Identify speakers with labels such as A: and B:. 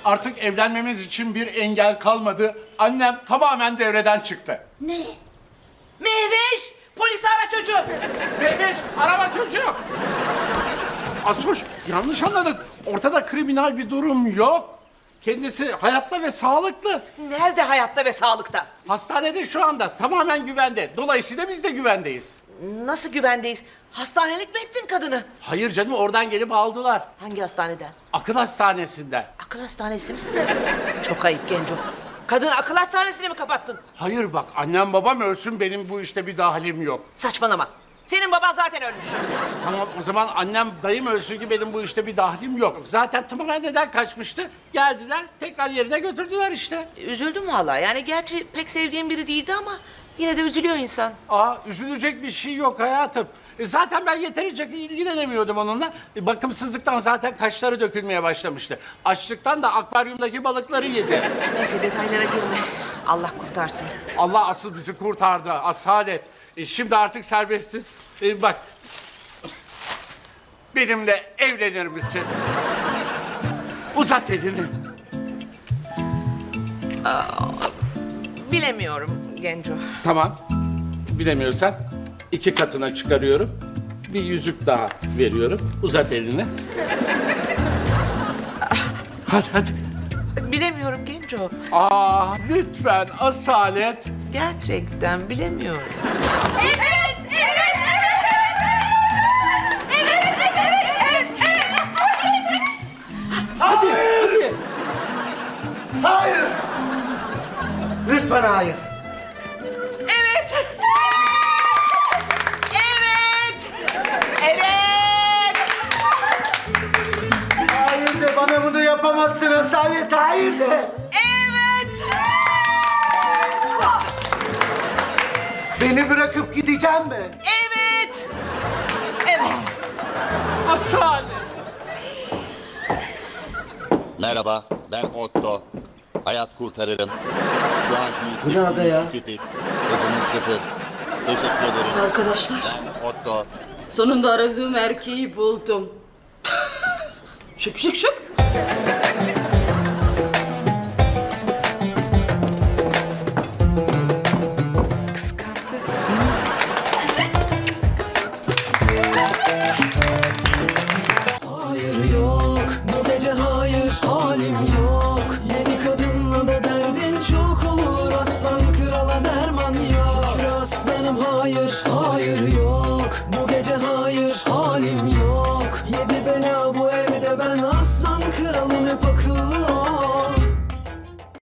A: Artık evlenmemiz için bir engel kalmadı. Annem tamamen devreden çıktı.
B: Ne? Mehveş! Polisi ara çocuğu!
A: Mehmet, araba çocuğu. Asuş, yanlış anladın. Ortada kriminal bir durum yok. Kendisi hayatta ve sağlıklı.
B: Nerede hayatta ve sağlıkta?
A: Hastanede şu anda tamamen güvende. Dolayısıyla biz de güvendeyiz.
B: Nasıl güvendeyiz? Hastanelik mi ettin kadını?
A: Hayır canım, oradan gelip aldılar.
B: Hangi hastaneden?
A: Akıl hastanesinden.
B: Akıl hastanesi mi? Çok ayıp Genco. Kadını akıl hastanesine mi kapattın?
A: Hayır bak, annem babam ölsün, benim bu işte bir dahilim yok.
B: Saçmalama. Senin baban zaten ölmüş.
A: Tamam, o zaman annem dayım ölsün ki benim bu işte bir dahlim yok. Zaten tımarhaneden kaçmıştı. Geldiler, tekrar yerine götürdüler işte.
B: Üzüldüm vallahi. Yani gerçi pek sevdiğim biri değildi ama yine de üzülüyor insan.
A: Üzülecek bir şey yok hayatım. Zaten ben yeterince ilgilenemiyordum onunla. Bakımsızlıktan zaten kaşları dökülmeye başlamıştı. Açlıktan da akvaryumdaki balıkları yedi.
B: Neyse detaylara girme. Allah kurtarsın.
A: Allah asıl bizi kurtardı, asalet. Şimdi artık serbestiz. Bak, benimle evlenir misin? Uzat elini.
B: Bilemiyorum Genco.
A: Tamam, bilemiyorsan 2 katına çıkarıyorum. Bir yüzük daha veriyorum. Uzat elini. Hadi.
B: Bilemiyorum Genco.
A: Lütfen asalet.
B: Gerçekten bilemiyorum.
A: Hadi.
C: Hayır! Lütfen hayır.
B: Evet.
C: Hayır de, bana bunu yapamazsın Asalet, hayır de.
B: Evet.
C: Beni bırakıp gideceğim mi?
B: Evet.
A: Asalet.
D: Merhaba, ben Otto. Hayat kurtarırım. Şu anki
C: Bu ne ada ya?
D: hızınız 0. Teşekkür ederim.
E: Arkadaşlar,
D: Ben Otto.
E: sonunda aradığım erkeği buldum. Şık şık şık.